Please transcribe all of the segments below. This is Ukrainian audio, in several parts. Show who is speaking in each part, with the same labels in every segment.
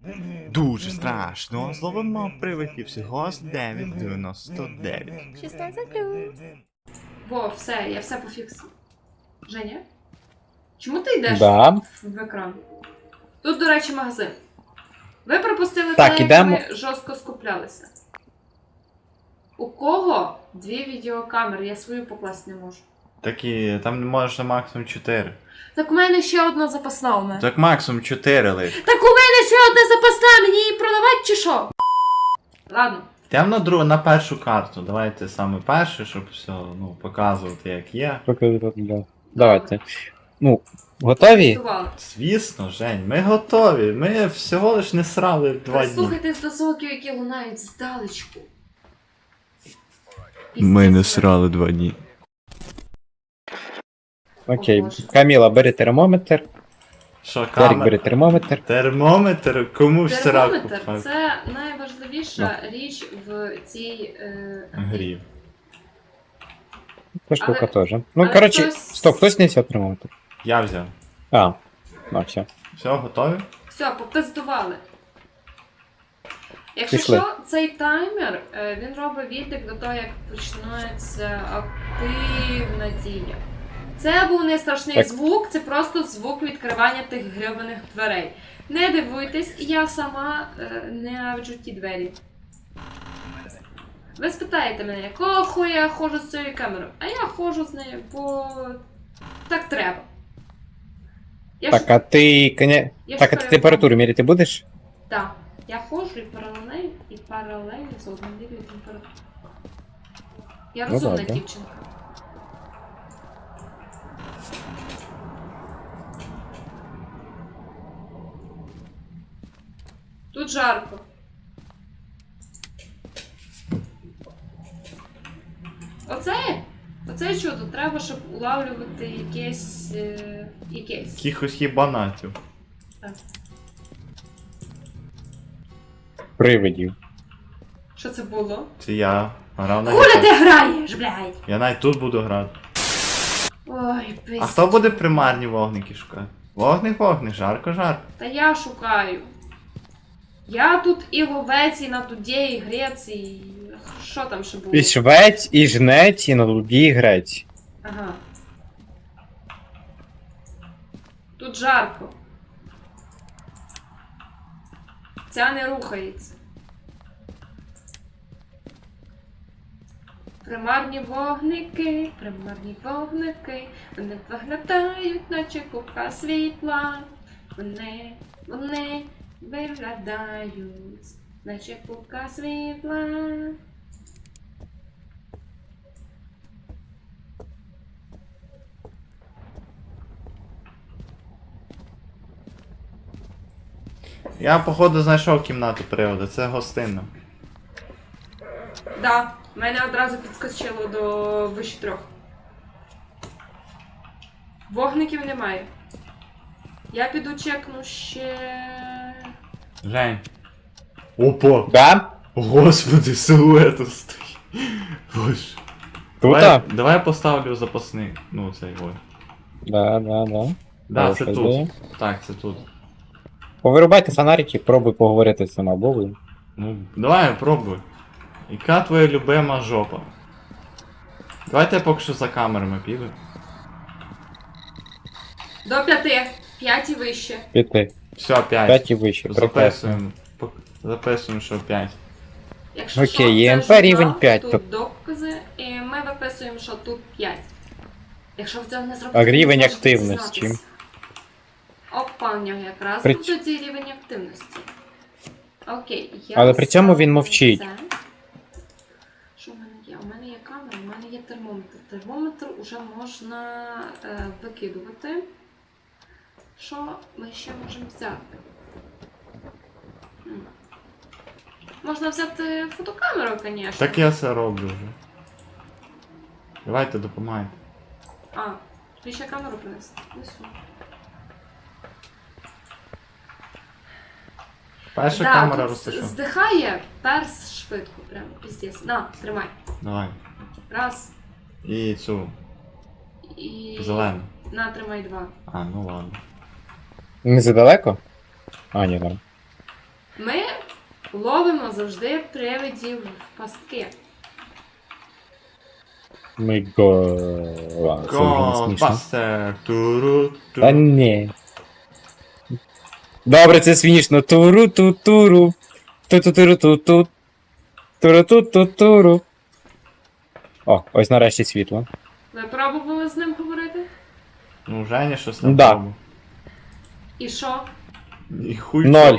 Speaker 1: Дуже страшно. Зловимо привидів всього з 9,99.
Speaker 2: 16+. Во, все, я все пофіксив. Женя? Чому ти йдеш
Speaker 3: Да.
Speaker 2: в екран? Тут, до речі, магазин. Ви пропустили
Speaker 3: Так,
Speaker 2: те, як
Speaker 3: ідемо.
Speaker 2: ми жорстко скуплялися. У кого 2 відеокамери? Я свою покласти не можу.
Speaker 1: Так і там не можеш на максимум 4.
Speaker 2: Так у мене ще одна запасна у мене.
Speaker 1: Так максимум 4 лиш.
Speaker 2: Так у мене ще одна запасна, мені її продавати чи що? Ладно.
Speaker 1: Йдемо на першу карту. Давайте саме перше, щоб все показувати як є.
Speaker 3: Давайте. Ну, готові?
Speaker 2: Готували.
Speaker 1: Звісно, Жень, ми готові. Ми всього лиш не срали 2 дні.
Speaker 2: Слухайте до звуків, які лунають здалечку.
Speaker 1: Ми не срали 2 дні.
Speaker 3: Окей.
Speaker 2: О, Боже.
Speaker 3: Каміла, бери термометр.
Speaker 1: Що,
Speaker 3: Ярик,
Speaker 1: камера?
Speaker 3: бери термометр.
Speaker 1: Термометр? Кому в сраку?
Speaker 2: Термометр це найважливіша річ в цій
Speaker 1: Грі.
Speaker 3: Та штука теж. Ну,
Speaker 2: але
Speaker 3: коротше,
Speaker 2: хтось-
Speaker 3: стоп, хтось не взяв термометр.
Speaker 1: Я взяв.
Speaker 3: А, ну все.
Speaker 1: Все, готові?
Speaker 2: Все, попиздували. Якщо
Speaker 3: Пішли.
Speaker 2: що, цей таймер, він робить відлік до того, як починається активна дія. Це був не страшний
Speaker 3: Так.
Speaker 2: звук, це просто звук відкривання тих гребаних дверей. Не дивуйтесь, я сама ненавиджу ті двері. Ви спитаєте мене, якого хуя я ходжу з цією камерою? А я ходжу з нею, бо так треба. Я
Speaker 3: Так,
Speaker 2: ж-
Speaker 3: а ти,
Speaker 2: я ж
Speaker 3: Так, а ти
Speaker 2: перед-
Speaker 3: температуру міряти будеш?
Speaker 2: Так. Я ходжу і паралельно з одним міряю температуру. Я
Speaker 3: Ну,
Speaker 2: розумна
Speaker 3: добре.
Speaker 2: дівчинка. Тут жарко. Оце чудо. Треба, щоб улавлювати якесь.
Speaker 1: Якихось хібанатів.
Speaker 3: Привидів.
Speaker 2: Що це було?
Speaker 1: Це я грав на
Speaker 2: Хуля
Speaker 1: гітарі.
Speaker 2: ти граєш, блядь!
Speaker 1: Я навіть тут буду грати.
Speaker 2: Ой, пиздец.
Speaker 1: А хто буде примарні вогники шукати? Вогник, жарко.
Speaker 2: Та я шукаю. Я тут і ловець, і на туді, і грець, і... Що там ще було?
Speaker 3: І швець, і жнець, і на дуді, і грець.
Speaker 2: Ага. Тут жарко. Ця не рухається. Примарні вогники, вони виглядають, наче купка світла. Вони виглядають, наче купка світла.
Speaker 1: Я, походу, знайшов кімнату приводу, це гостинна.
Speaker 2: Да, мене одразу підскочило до вище 3. Вогників немає. Я піду чекну ще.
Speaker 1: Жень. Опа!
Speaker 3: Да?
Speaker 1: Господи, силует стоїть. Боже.
Speaker 3: Тута?
Speaker 1: Давай я поставлю запасний. Ну, цей ой.
Speaker 3: Да.
Speaker 1: Да, це
Speaker 3: Хороша
Speaker 1: тут.
Speaker 3: ідея.
Speaker 1: Так, це тут.
Speaker 3: Повирубайте фонарики, пробуй поговорити з цим абовою.
Speaker 1: Ну, давай, пробуй. Яка твоя любима жопа? Давайте я поки що за камерами піду.
Speaker 2: До 5. 5 і вище.
Speaker 3: Піти.
Speaker 1: Все, 5.
Speaker 3: 5 і вище. Прекрасно.
Speaker 1: Записуємо. Записуємо, що 5.
Speaker 2: Якщо
Speaker 3: Окей,
Speaker 2: що, це
Speaker 3: ЄМП
Speaker 2: журнал,
Speaker 3: рівень 5,
Speaker 2: тут
Speaker 3: то-
Speaker 2: докази, і ми виписуємо, що тут 5. Якщо ви цього не зробите,
Speaker 3: А
Speaker 2: ви
Speaker 3: рівень
Speaker 2: зможете
Speaker 3: активності?
Speaker 2: дізнатися. Опа, в нього якраз
Speaker 3: При-
Speaker 2: тут тоді рівень активності. Окей, я
Speaker 3: Але при цьому він
Speaker 2: ставлю
Speaker 3: мовчить.
Speaker 2: це. Що в мене є? У мене є камера, у мене є термометр. Термометр уже можна викидувати. Що ми ще можемо взяти? Можна взяти фотокамеру, звісно.
Speaker 1: Так я це роблю вже. Давайте допомагайте.
Speaker 2: А, тобі ще камеру принести? Несу.
Speaker 1: Перша
Speaker 2: Да,
Speaker 1: камера
Speaker 2: тут
Speaker 1: розташована.
Speaker 2: здихає перс швидко, прям піздець. На, тримай.
Speaker 1: Давай.
Speaker 2: Раз.
Speaker 1: І цю.
Speaker 2: І...
Speaker 1: Зелену.
Speaker 2: На, тримай 2.
Speaker 1: А, ну ладно.
Speaker 3: Не задалеко? А, ні, там.
Speaker 2: Ми ловимо завжди привидів в пастки.
Speaker 3: Ми го... Ладно, це вже не смішно.
Speaker 1: Ghostbuster. Туру,
Speaker 3: Та
Speaker 1: туру.
Speaker 3: ні. Добре, це смішно. Туру-ту-туру. Ту-ту-туру-ту-ту. Туру-ту-ту-туру. О, ось нарешті світло.
Speaker 2: Ви пробували з ним говорити?
Speaker 1: Ну, Женя щось не
Speaker 3: Да.
Speaker 1: пробував.
Speaker 2: І що?
Speaker 1: І хуй.
Speaker 3: 0.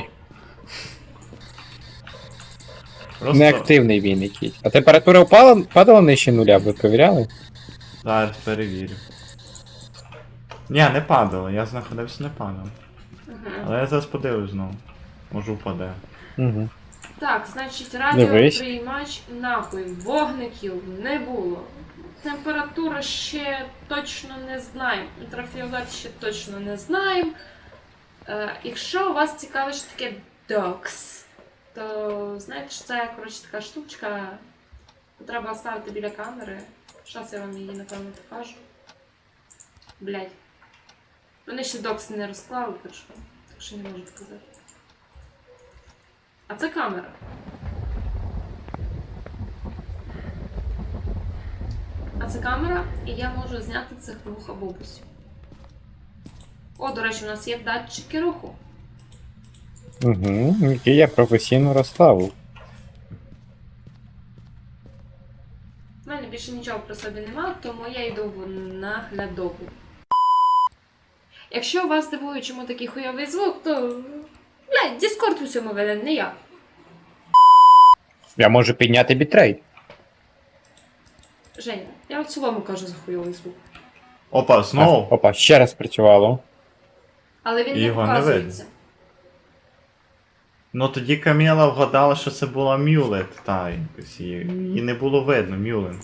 Speaker 1: Просто
Speaker 3: Неактивний він якийсь. А температура падала нижче нуля, ви перевіряли?
Speaker 1: зараз перевірю. Ні, не падало, я знаходився, не падав.
Speaker 2: Угу.
Speaker 1: Але я зараз подивлюсь знову. Може впаде.
Speaker 3: Угу.
Speaker 2: Так, значить,
Speaker 3: Дивись.
Speaker 2: радіоприймач нахуй. Вогників не було. Температура ще точно не знаємо. Ультрафіолет ще точно не знаємо. Якщо у вас цікавить, що таке DOX, то знаєте, що це, коротше, така штучка, яку треба ставити біля камери. Зараз я вам її, напевно, покажу. Блять. Вони ще DOX не розклали, так що не можу сказати. А це камера. А це камера, і я можу зняти цих двох бабусів. О, до речі, у нас є датчики руху.
Speaker 3: Угу. Який я професійно розставив.
Speaker 2: У мене більше нічого при собі немає, тому я йду в наглядову. Якщо вас дивує, чому такий хуйовий звук, то... Блядь, Discord усьому винен, не я.
Speaker 3: Я можу підняти бітрейт.
Speaker 2: Женя, я в цілому кажу за хуйовий звук.
Speaker 1: Опа, знову.
Speaker 3: Опа, ще раз працювало.
Speaker 2: Але він не
Speaker 1: Його не
Speaker 2: показується.
Speaker 1: Ну тоді Каміла вгадала, що це була Мюлет, та якось її не було видно, Мюлен.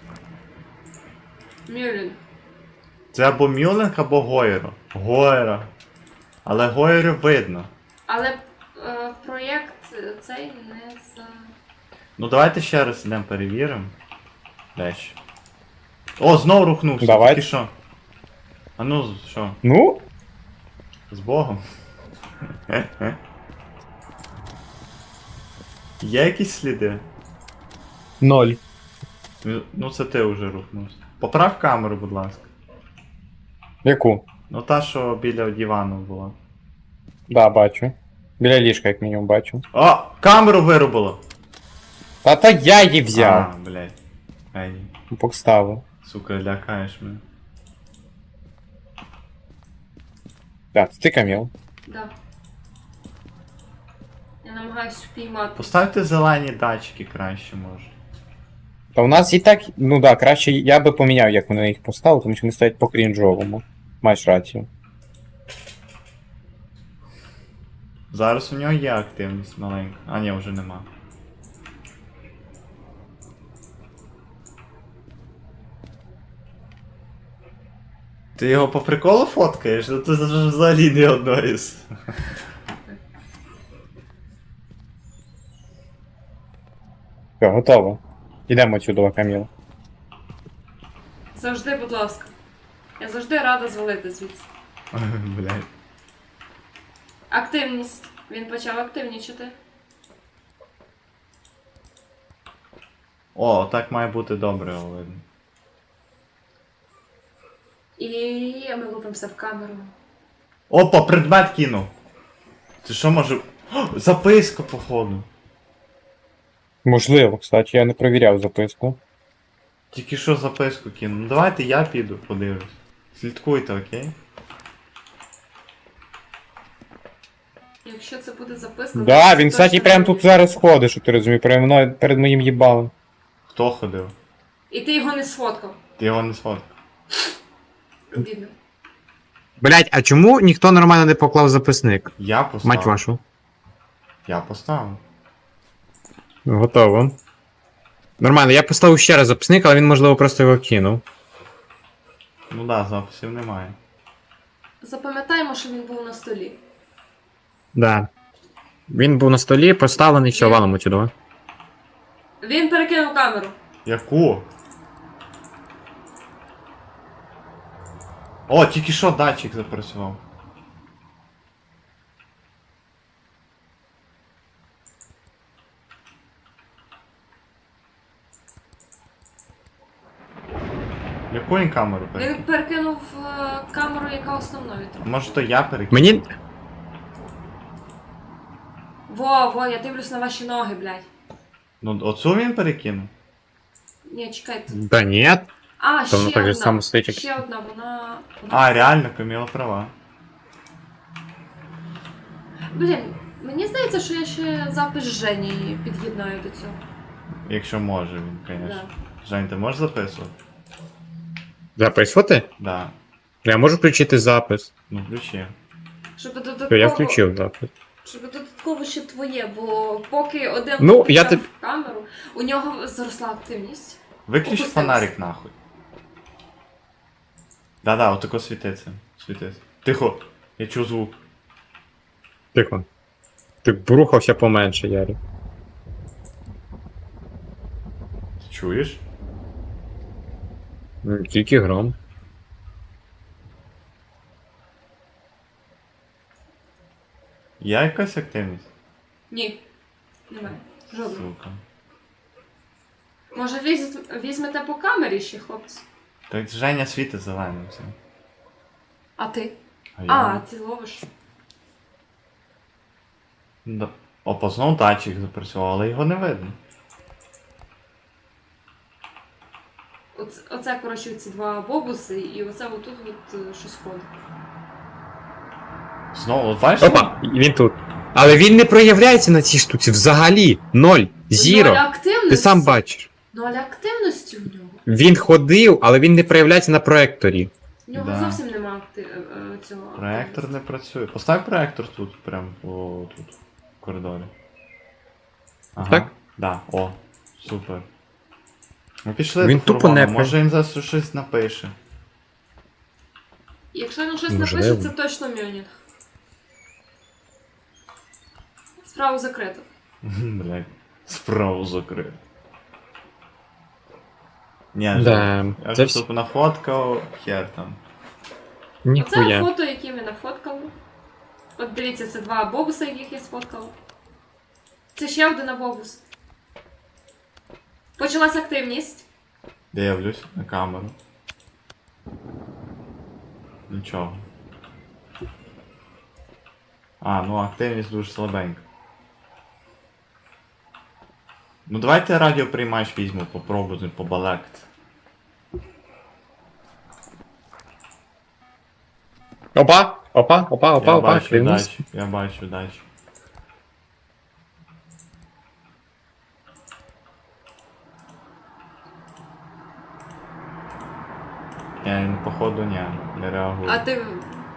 Speaker 2: Мюлін.
Speaker 1: Це або Мюлен, або Гойро. Гойро. Але Гойро видно.
Speaker 2: Але проєкт цей не за...
Speaker 1: Ну давайте ще раз йдемо перевіримо. Дещо. О, знову рухнувся.
Speaker 3: Давай.
Speaker 1: Тільки що? А ну, що?
Speaker 3: Ну,
Speaker 1: З Богом. Є якісь сліди?
Speaker 3: 0.
Speaker 1: Ну це ти вже рухнувся. Поправ камеру, будь ласка.
Speaker 3: Яку?
Speaker 1: Ну та, що біля дивану була.
Speaker 3: Да, бачу. Біля ліжка, як мінімум, бачу.
Speaker 1: О! Камеру вирубило!
Speaker 3: Та я її взяв.
Speaker 1: А, блядь. Ай,
Speaker 3: Поставив.
Speaker 1: сука, лякаєш мене.
Speaker 3: Так, це ти Каміл.
Speaker 2: Да. Я намагаюсь впіймати.
Speaker 1: Поставте зелені датчики краще, може.
Speaker 3: Та у нас і так, ну да, краще я би поміняв, як вони їх поставили, тому що вони стоять по крінжовому. Маєш рацію.
Speaker 1: Зараз у нього є активність маленька. А ні, вже нема. Ти його по приколу фоткаєш? Ну ти взагалі не одної з.
Speaker 3: Все, готово. Ідемо сюди, Каміл.
Speaker 2: Завжди, будь ласка. Я завжди рада звалити звідси.
Speaker 1: Блядь.
Speaker 2: Активність. Він почав активнічати.
Speaker 1: О, так має бути добре, видно.
Speaker 2: І ми лупимося в камеру.
Speaker 1: Опа, предмет кинув. Це що може. О, записка, походу.
Speaker 3: Можливо, кстати, я не перевіряв записку.
Speaker 1: Тільки що записку кинув. Ну давайте я піду, подивлюсь. Слідкуйте, окей?
Speaker 2: Якщо це буде записка...
Speaker 3: Да,
Speaker 2: то
Speaker 3: він,
Speaker 2: це
Speaker 3: кстати,
Speaker 2: точно
Speaker 3: прямо
Speaker 2: не
Speaker 3: тут
Speaker 2: буде.
Speaker 3: зараз ходить, що ти розумієш, перед моїм їбалом.
Speaker 1: Хто ходив?
Speaker 2: І ти його не сфоткав.
Speaker 1: Ти його не сфоткав.
Speaker 2: Бідно.
Speaker 3: Блять, а чому ніхто нормально не поклав записник?
Speaker 1: Я поставив.
Speaker 3: Мать вашу.
Speaker 1: Я поставив.
Speaker 3: Готово. Нормально, я поставив ще раз записник, але він, можливо, просто його кинув.
Speaker 1: Ну да, записів немає.
Speaker 2: Запам'ятаємо, що він був на столі.
Speaker 3: Да. Він був на столі, поставлений, все, валимо сюди.
Speaker 2: Він перекинув камеру.
Speaker 1: Яку? О, тільки що датчик запрацював. Яку він камеру
Speaker 2: Він
Speaker 1: перекинув?
Speaker 2: перекинув камеру, яка основною.
Speaker 1: Може то я перекинув?
Speaker 3: Мені.
Speaker 2: Во, я дивлюсь на ваші ноги, блядь.
Speaker 1: Ну, оцю він перекинув?
Speaker 2: Ні, чекайте.
Speaker 3: Да ні.
Speaker 2: А,
Speaker 3: Та воно
Speaker 2: ще
Speaker 3: так же
Speaker 2: одна.
Speaker 3: само стоїть, як-
Speaker 2: Ще одна, вона...
Speaker 1: А, реально, Каміла права.
Speaker 2: Блін, мені здається, що я ще запис Жені під'єднаю до цього.
Speaker 1: Якщо може він, звісно.
Speaker 2: Да.
Speaker 1: Жень, ти можеш записувати?
Speaker 3: Записувати?
Speaker 1: Да.
Speaker 3: Я можу включити запис.
Speaker 1: Ну, включи.
Speaker 2: Щоб
Speaker 3: То
Speaker 2: додатково...
Speaker 3: я включив запис.
Speaker 2: Щоб додатково ще твоє, бо поки один
Speaker 3: Ну,
Speaker 2: включав
Speaker 3: я тип-
Speaker 2: камеру, у нього зросла активність.
Speaker 1: Виключи
Speaker 2: Опустився.
Speaker 1: фонарик нахуй. Да-да, отако світиться. Світиться. Тихо, я чую звук.
Speaker 3: Тихо. Ти брухався поменше, Ярик.
Speaker 1: Ти чуєш?
Speaker 3: Ну, тільки гром.
Speaker 1: Є якась активність?
Speaker 2: Ні, немає. Жодного.
Speaker 1: Сука.
Speaker 2: Може візьмете по камері ще, хлопці?
Speaker 1: Так Женя світить зеленим цим.
Speaker 2: А ти?
Speaker 1: А
Speaker 2: А, ти ловиш.
Speaker 1: Да. Опа, знов датчик запрацював, але його не видно.
Speaker 2: Оце, коротше, ці два бобуси, і оце отут щось ходить.
Speaker 1: Знову, от бачиш?
Speaker 3: Опа, він тут. Але він не проявляється на цій штуці взагалі. Ноль.
Speaker 2: Ноль
Speaker 3: Зіро.
Speaker 2: активності.
Speaker 3: Ти сам бачиш.
Speaker 2: Ноль активності у нього.
Speaker 3: Він ходив, але він не проявляється на проекторі.
Speaker 2: У нього
Speaker 1: Да.
Speaker 2: зовсім нема цього.
Speaker 1: Проектор не працює. Постав проектор тут, прям тут, в коридорі. Ага.
Speaker 3: Так?
Speaker 1: Да, о, супер. Ми пішли
Speaker 3: Він
Speaker 1: до
Speaker 3: тупо
Speaker 1: фургона,
Speaker 3: не
Speaker 1: може він зараз щось напише.
Speaker 2: Якщо він щось
Speaker 3: Можливо.
Speaker 2: напише, це точно Мюнінг. Справу закрито.
Speaker 1: Блять, справу закрив. Ні,
Speaker 3: Да,
Speaker 1: я
Speaker 3: це
Speaker 1: ж
Speaker 3: всі-
Speaker 1: тут нафоткав, хер там.
Speaker 2: Оце
Speaker 3: Ніхуя.
Speaker 2: фото, які ми нафоткали. От дивіться, це два бобуса, яких я сфоткала. Це ще один бобус. Почалась активність.
Speaker 1: Дивлюсь на камеру. Нічого. А, ну активність дуже слабенька. Ну давайте радіоприймач візьму, попробуємо побалакати.
Speaker 3: Опа, опа, опа, опа,
Speaker 1: Я
Speaker 3: опа,
Speaker 1: бачу
Speaker 3: клянусь.
Speaker 1: дачу, я бачу дачу. Я походу не реагую.
Speaker 2: А ти.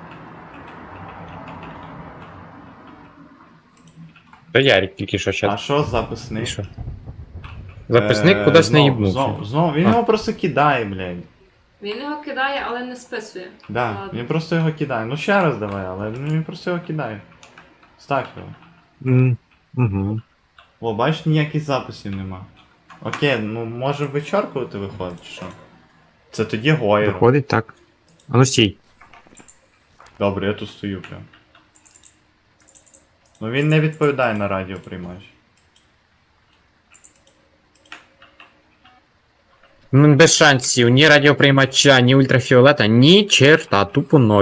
Speaker 3: То Ярик тільки що
Speaker 1: А
Speaker 3: щас.
Speaker 1: що записник?
Speaker 3: І що? Записник кудись не їбнувся.
Speaker 1: Знов, він
Speaker 3: А.
Speaker 1: його просто кидає, блядь.
Speaker 2: Він його кидає, але не списує.
Speaker 1: Да,
Speaker 2: Ладно.
Speaker 1: він просто його кидає. Ну ще раз давай, але він просто його кидає. Став його.
Speaker 3: Угу.
Speaker 1: О, бачиш, ніяких записів нема. Окей, ну може вичеркувати виходить, чи що? Це тоді Гойро.
Speaker 3: Виходить так. А ну стій.
Speaker 1: Добре, я тут стою прям. Ну він не відповідає на радіоприймач.
Speaker 3: Ну, без шансів, ні радіоприймача, ні ультрафіолета, ні черта, тупо ноль.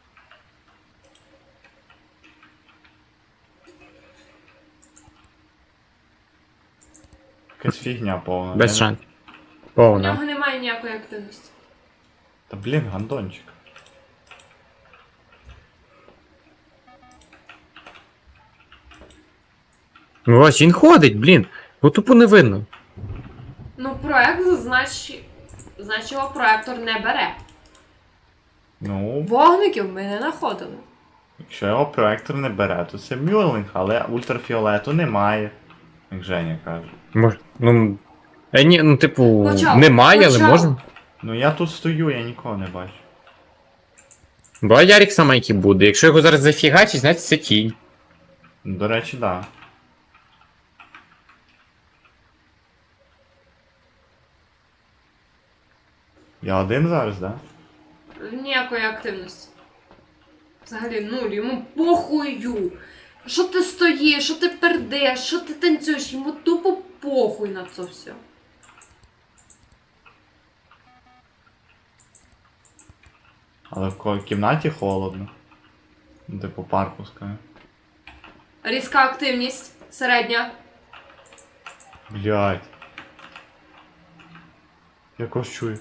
Speaker 1: Якась фігня повна.
Speaker 3: Без
Speaker 1: Я не-
Speaker 3: шансів.
Speaker 2: У
Speaker 3: Повна.
Speaker 2: нього немає ніякої активності.
Speaker 1: Та блін, гандончик.
Speaker 3: Ну ось він ходить, блін. Бо тупо не видно.
Speaker 2: Ну, проект, значить його проектор не бере.
Speaker 1: Ну,
Speaker 2: Вогників ми не знаходили.
Speaker 1: якщо його проектор не бере, то це мюрлінг, але ультрафіолету немає. Як Женя каже.
Speaker 3: Мож... Ну. Ні, ну типу,
Speaker 2: Почав,
Speaker 3: немає, але
Speaker 2: почав.
Speaker 3: можна.
Speaker 1: Ну я тут стою, я нікого не бачу.
Speaker 3: Бо Ярик саме який буде. Якщо його зараз зафігачить, значить це тінь.
Speaker 1: Ну, до речі, да. Я один зараз, да?
Speaker 2: Ніякої активності. Взагалі, нуль, йому похую. Що ти стоїш, що ти пердеш, що ти танцюєш, йому тупо похуй на це все.
Speaker 1: Але в кімнаті холодно. Ну, типу пар пускає.
Speaker 2: Різка активність. Середня.
Speaker 1: Блядь. Я когось чую.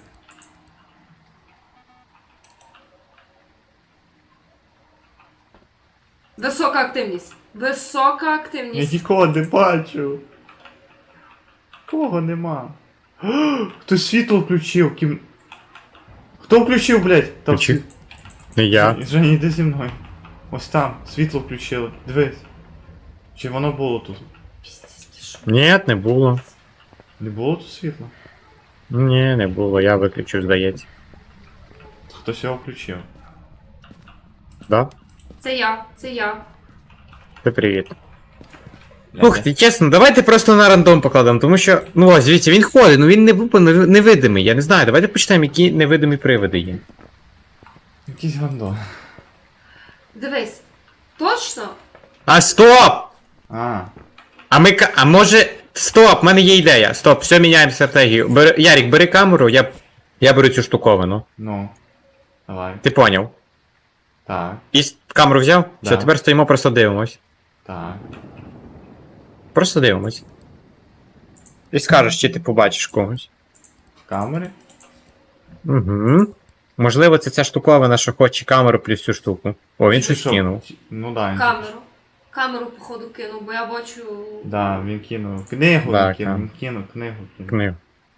Speaker 2: Висока активність. Висока
Speaker 1: Я
Speaker 2: активність.
Speaker 1: нікого не бачу. Кого нема? Хтось світло включив. Хто включив, блядь? Там
Speaker 3: Включив. Не я.
Speaker 1: Женя, йди зі мною. Ось там, світло включили. Дивись. Чи воно було тут?
Speaker 3: Ні, не було.
Speaker 1: Не було тут світла?
Speaker 3: Ні, не було, я виключив, здається.
Speaker 1: Хтось його включив.
Speaker 3: Да?
Speaker 2: Це я, це я.
Speaker 3: Ти привіт. Слухайте, чесно, давайте просто на рандом покладемо, тому що, ну ось, дивіться, він ходить, ну він не був невидимий, я не знаю, давайте почитаємо, які невидимі привиди є.
Speaker 1: Якийсь гандон.
Speaker 2: Дивись. Точно?
Speaker 3: А стоп!
Speaker 1: А,
Speaker 3: А може. Стоп, в мене є ідея. Стоп, все, міняємо стратегію. Ярік, бери камеру, я беру цю штуковину.
Speaker 1: ну. Давай.
Speaker 3: Ти поняв?
Speaker 1: Так,
Speaker 3: Камеру взяв?
Speaker 1: Да.
Speaker 3: Все, тепер стоїмо, просто дивимось.
Speaker 1: так.
Speaker 3: Просто дивимось. І скажеш, чи ти побачиш когось.
Speaker 1: В камері?
Speaker 3: Угу. Можливо, це ця штуковина, що хоче камеру плюс цю штуку. О, він
Speaker 1: Чи
Speaker 3: щось
Speaker 1: що?
Speaker 3: кинув.
Speaker 1: Ну да, він.
Speaker 2: Камеру. Камеру, походу, кинув, бо я бачу.
Speaker 1: Да, він кинув. Книгу
Speaker 3: Да,
Speaker 1: він кинув,
Speaker 3: так.
Speaker 1: він кинув, книгу кинув.
Speaker 3: Книгу.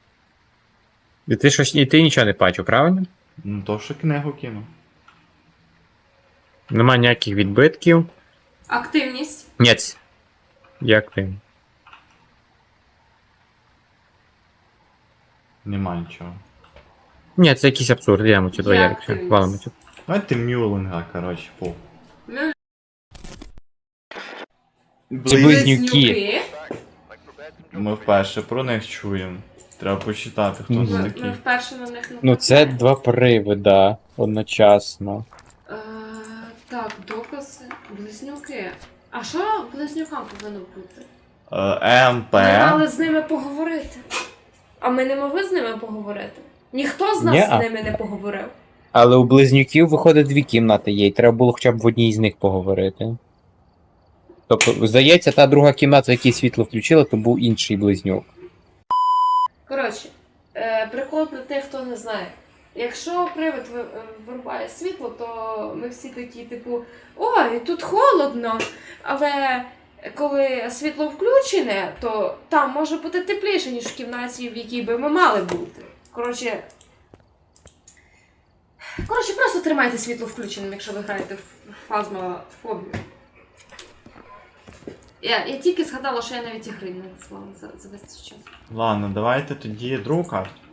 Speaker 3: І ти нічого не бачив, правильно?
Speaker 1: Ну то, що книгу кинув.
Speaker 3: Нема ніяких відбитків.
Speaker 2: Активність.
Speaker 3: Ніц. Як ти?
Speaker 1: Нема нічого.
Speaker 3: Ні, це якийсь абсурд, йдемо сюди,
Speaker 2: Я
Speaker 3: Ярик, все,
Speaker 2: активність.
Speaker 3: валимо сюди.
Speaker 1: Давайте Мюлинга, коротше, по.
Speaker 2: Ми
Speaker 3: Ці близнюки.
Speaker 1: Ми вперше про них чуємо. Треба почитати, хто
Speaker 3: Мгм.
Speaker 1: це
Speaker 2: Ми
Speaker 1: такий.
Speaker 2: вперше на них
Speaker 3: Ну це два привида одночасно.
Speaker 2: Е, так, докази. Близнюки. А що близнюкам повинно бути?
Speaker 1: МП.
Speaker 2: Ми мали з ними поговорити. А ми не могли з ними поговорити. Ніхто з нас
Speaker 3: Ні-а.
Speaker 2: з ними не поговорив.
Speaker 3: Але у близнюків виходить дві кімнати є, і треба було хоча б в одній з них поговорити. Тобто, здається, та друга кімната, в якій світло включили, то був інший близнюк.
Speaker 2: Коротше, прикол для тих, хто не знає. Якщо привид вирубає світло, то ми всі такі, типу, ой, тут холодно, але коли світло включене, то там може бути тепліше, ніж в кімнаті, в якій би ми мали бути. Коротше, просто тримайте світло включеним, якщо ви граєте в фазмофобію. Я тільки згадала, що я навіть ігри не назвала за весь цей час.
Speaker 1: Ладно, давайте тоді другу карту.